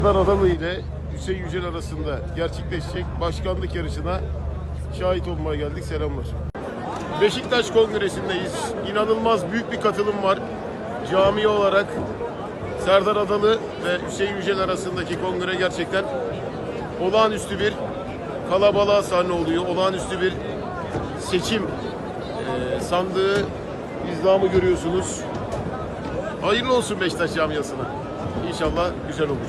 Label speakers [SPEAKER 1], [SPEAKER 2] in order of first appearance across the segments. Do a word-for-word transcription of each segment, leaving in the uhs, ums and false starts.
[SPEAKER 1] Adalı ile Hüseyin Yücel arasında gerçekleşecek başkanlık yarışına şahit olmaya geldik. Selamlar. Beşiktaş Kongresi'ndeyiz. İnanılmaz büyük bir katılım var. Cami olarak Serdar Adalı ve Hüseyin Yücel arasındaki kongre gerçekten olağanüstü bir kalabalığa sahne oluyor. Olağanüstü bir seçim e, sandığı izlamı görüyorsunuz. Hayırlı olsun Beşiktaş camiasına. İnşallah güzel olur.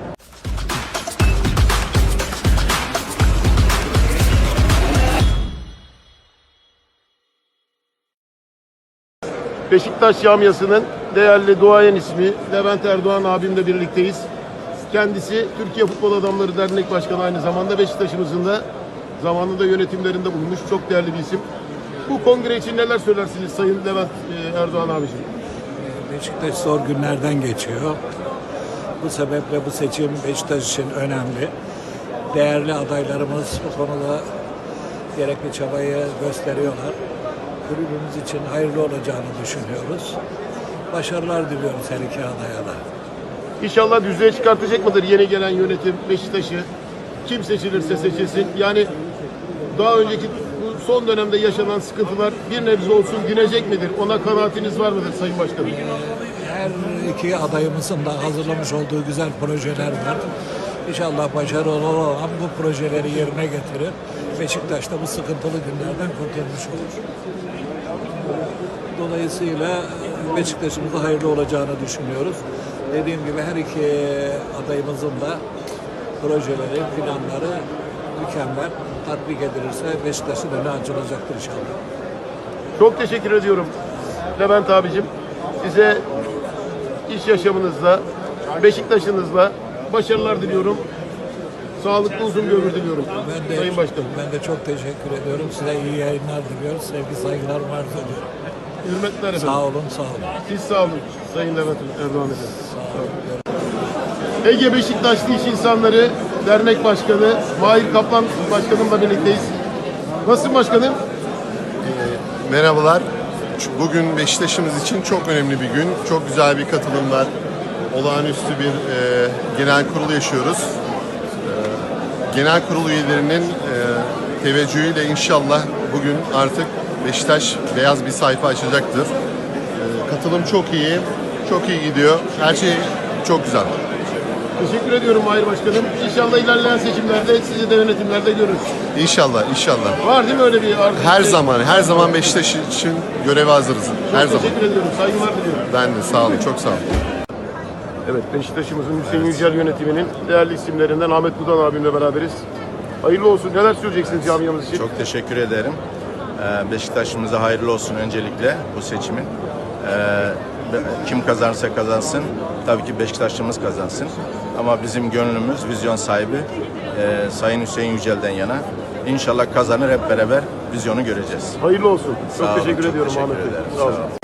[SPEAKER 1] Beşiktaş camiasının değerli duayen ismi Levent Erdoğan abimle birlikteyiz. Kendisi Türkiye Futbol Adamları Dernek Başkanı, aynı zamanda Beşiktaş'ımızın da zamanında yönetimlerinde bulunmuş çok değerli bir isim. Bu kongre için neler söylersiniz Sayın Levent Erdoğan abiciğim?
[SPEAKER 2] Beşiktaş zor günlerden geçiyor. Bu sebeple bu seçim Beşiktaş için önemli. Değerli adaylarımız bu konuda gerekli çabayı gösteriyorlar. Kulübümüz için hayırlı olacağını düşünüyoruz. Başarılar diliyoruz her iki adaya da.
[SPEAKER 1] İnşallah düzlüğe çıkartacak mıdır yeni gelen yönetim Beşiktaş'ı? Kim seçilirse seçilsin. Yani daha önceki bu son dönemde yaşanan sıkıntılar bir nebze olsun dinecek midir? Ona kanaatiniz var mıdır Sayın Başkanım?
[SPEAKER 2] Her iki adayımızın da hazırlamış olduğu güzel projeler var. İnşallah başarılı olan bu projeleri yerine getirir. Beşiktaş da bu sıkıntılı günlerden kurtulmuş olur. Dolayısıyla Beşiktaş'ımıza hayırlı olacağını düşünüyoruz. Dediğim gibi her iki adayımızın da projeleri, planları mükemmel. Tatbik edilirse Beşiktaş'ın önü açılacaktır inşallah.
[SPEAKER 1] Çok teşekkür ediyorum Levent abicim. Size iş yaşamınızda, Beşiktaş'ınızla başarılar diliyorum. Sağlıklı uzun bir ömür diliyorum
[SPEAKER 2] Ben de,
[SPEAKER 1] Sayın Başkanım.
[SPEAKER 2] Ben de çok teşekkür ediyorum. Size iyi yayınlar diliyoruz. Sevgi saygılar var diliyorum.
[SPEAKER 1] Hürmetler efendim.
[SPEAKER 2] Sağ olun, sağ olun.
[SPEAKER 1] Siz sağ olun Sayın Levent Erdoğan efendim.
[SPEAKER 2] Sağ olun.
[SPEAKER 1] Ege Beşiktaşlı İş İnsanları Dernek Başkanı Mahir Kaplan Başkanımla birlikteyiz. Nasılsın başkanım?
[SPEAKER 3] E, merhabalar. Bugün Beşiktaş'ımız için çok önemli bir gün. Çok güzel bir katılım var. Olağanüstü bir e, genel kurul yaşıyoruz. E, genel kurul üyelerinin e, teveccühüyle inşallah bugün artık Beşiktaş beyaz bir sayfa açacaktır. E, katılım çok iyi, çok iyi gidiyor. Her şey çok güzel.
[SPEAKER 1] Teşekkür ediyorum Mahir Başkanım. İnşallah ilerleyen seçimlerde sizi de yönetimlerde görürüz.
[SPEAKER 3] İnşallah, inşallah.
[SPEAKER 1] Var değil mi öyle bir arzu?
[SPEAKER 3] Her zaman, her zaman Beşiktaş için göreve hazırız. Her
[SPEAKER 1] Çok
[SPEAKER 3] zaman.
[SPEAKER 1] teşekkür ediyorum. Saygılar diliyorum.
[SPEAKER 3] Ben de sağ olun, çok sağ olun.
[SPEAKER 1] Evet, Beşiktaş'ımızın Hüseyin Yücel yönetiminin değerli isimlerinden Ahmet Budan abimle beraberiz. Hayırlı olsun. Neler söyleyeceksiniz camiamız için?
[SPEAKER 4] Çok teşekkür ederim. Ee, Beşiktaş'ımıza hayırlı olsun öncelikle bu seçimin. Ee, kim kazanırsa kazansın, tabii ki Beşiktaş'ımız kazansın. Ama bizim gönlümüz vizyon sahibi e, Sayın Hüseyin Yücel'den yana. İnşallah kazanır, hep beraber vizyonu göreceğiz.
[SPEAKER 1] Hayırlı olsun. Çok
[SPEAKER 4] Sağ olun,
[SPEAKER 1] teşekkür
[SPEAKER 4] çok
[SPEAKER 1] ediyorum
[SPEAKER 4] teşekkür
[SPEAKER 1] Ahmet Bey.
[SPEAKER 4] ederim.
[SPEAKER 1] Sağ olun.
[SPEAKER 4] Sağ olun.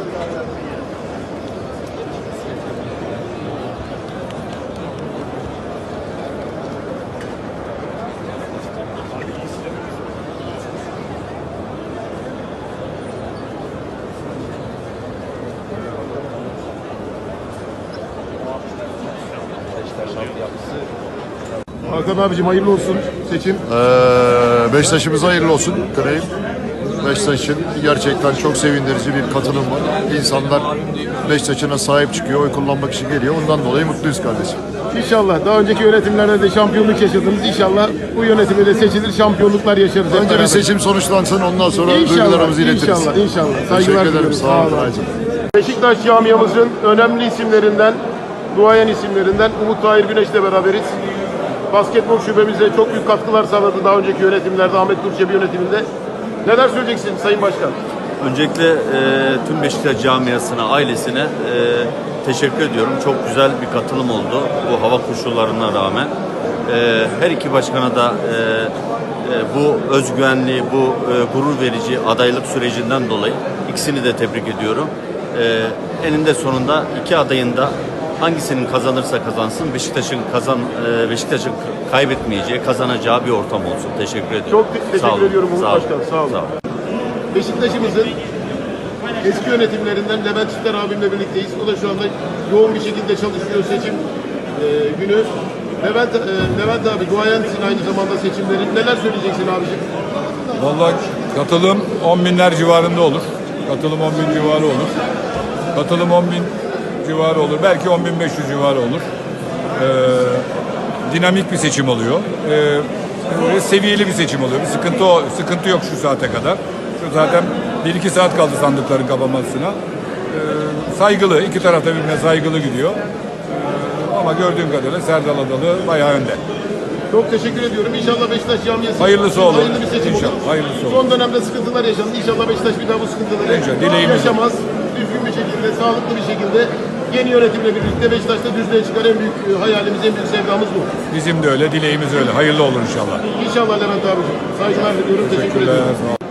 [SPEAKER 1] Hakan abicim hayırlı olsun seçim.
[SPEAKER 5] Ee, Beşiktaş'ımıza hayırlı olsun dileğim. Beşiktaş için gerçekten çok sevindirici bir katılım var. İnsanlar Beşiktaş'ına sahip çıkıyor, oy kullanmak için geliyor. Ondan dolayı mutluyuz kardeşim.
[SPEAKER 1] İnşallah daha önceki yönetimlerde de şampiyonluk yaşadınız. İnşallah bu yönetimi de seçilir, şampiyonluklar yaşarız. hep
[SPEAKER 5] Önce
[SPEAKER 1] beraber.
[SPEAKER 5] bir seçim sonuçlansın, ondan sonra
[SPEAKER 1] İnşallah,
[SPEAKER 5] duygularımızı iletiriz.
[SPEAKER 1] İnşallah, inşallah. Saygılar
[SPEAKER 5] Teşekkür ederim,
[SPEAKER 1] diliyorum.
[SPEAKER 5] sağ olun.
[SPEAKER 1] Beşiktaş camiamızın önemli isimlerinden, duayen isimlerinden Umut Tahir Güneş'le beraberiz. Basketbol şubemize çok büyük katkılar sağladı daha önceki yönetimlerde, Ahmet Durçebi yönetiminde. Neler söyleyeceksin Sayın Başkan?
[SPEAKER 6] Öncelikle e, tüm Beşiktaş camiasına, ailesine e, teşekkür ediyorum. Çok güzel bir katılım oldu bu hava koşullarına rağmen. E, her iki başkana da e, e, bu özgüvenli, bu e, gurur verici adaylık sürecinden dolayı ikisini de tebrik ediyorum. E, eninde sonunda iki adayın da hangisinin kazanırsa kazansın Beşiktaş'ın kazan e, Beşiktaş'ın kaybetmeyeceği, kazanacağı bir ortam olsun. Teşekkür ediyorum.
[SPEAKER 1] Çok te- teşekkür
[SPEAKER 6] Sağ olun.
[SPEAKER 1] ediyorum Umut
[SPEAKER 6] Sağ olun.
[SPEAKER 1] Başkan. Sağ olun.
[SPEAKER 6] Sağ olun.
[SPEAKER 1] Beşiktaş'ımızın eski yönetimlerinden Levent Çister abimle birlikteyiz. O da şu anda yoğun bir şekilde çalışıyor. Seçim e, günü. Levent, e, Levent abi duayensin aynı zamanda seçimlerin. Neler söyleyeceksin abiciğim?
[SPEAKER 7] Vallahi katılım on binler civarında olur. Katılım on bin civarı olur. Katılım on bin civarı olur. Belki on bin beş yüz civarı olur. Ee, dinamik bir seçim oluyor. Ee, böyle seviyeli bir seçim oluyor. Bir sıkıntı o, sıkıntı yok şu saate kadar. Şu zaten bir iki saat kaldı sandıkların kapanmasına. Ee, saygılı, iki tarafta birbirine saygılı gidiyor. Ee, ama gördüğüm kadarıyla Serdal Adalı bayağı önde.
[SPEAKER 1] Çok teşekkür ediyorum. İnşallah Beşiktaş camiası
[SPEAKER 7] Hayırlısı olur.
[SPEAKER 1] hayırlı bir seçim
[SPEAKER 7] İnşallah,
[SPEAKER 1] olur.
[SPEAKER 7] hayırlısı olur.
[SPEAKER 1] Son dönemde sıkıntılar yaşandı. İnşallah Beşiktaş bir daha bu sıkıntıları
[SPEAKER 7] İnşallah, dileğimiz o.
[SPEAKER 1] yaşamaz. Düzgün bir şekilde, sağlıklı bir şekilde yeni yönetimle birlikte Beşiktaş'ta düzlüğe çıkar. En büyük e, hayalimiz, en büyük sevdamız bu.
[SPEAKER 7] Bizim de öyle, dileğimiz öyle. Hayırlı olur inşallah.
[SPEAKER 1] İnşallah Levent abiciğim. Saygılar diliyorum. Teşekkür
[SPEAKER 7] Teşekkürler.
[SPEAKER 1] ederim.
[SPEAKER 7] Sağ olun.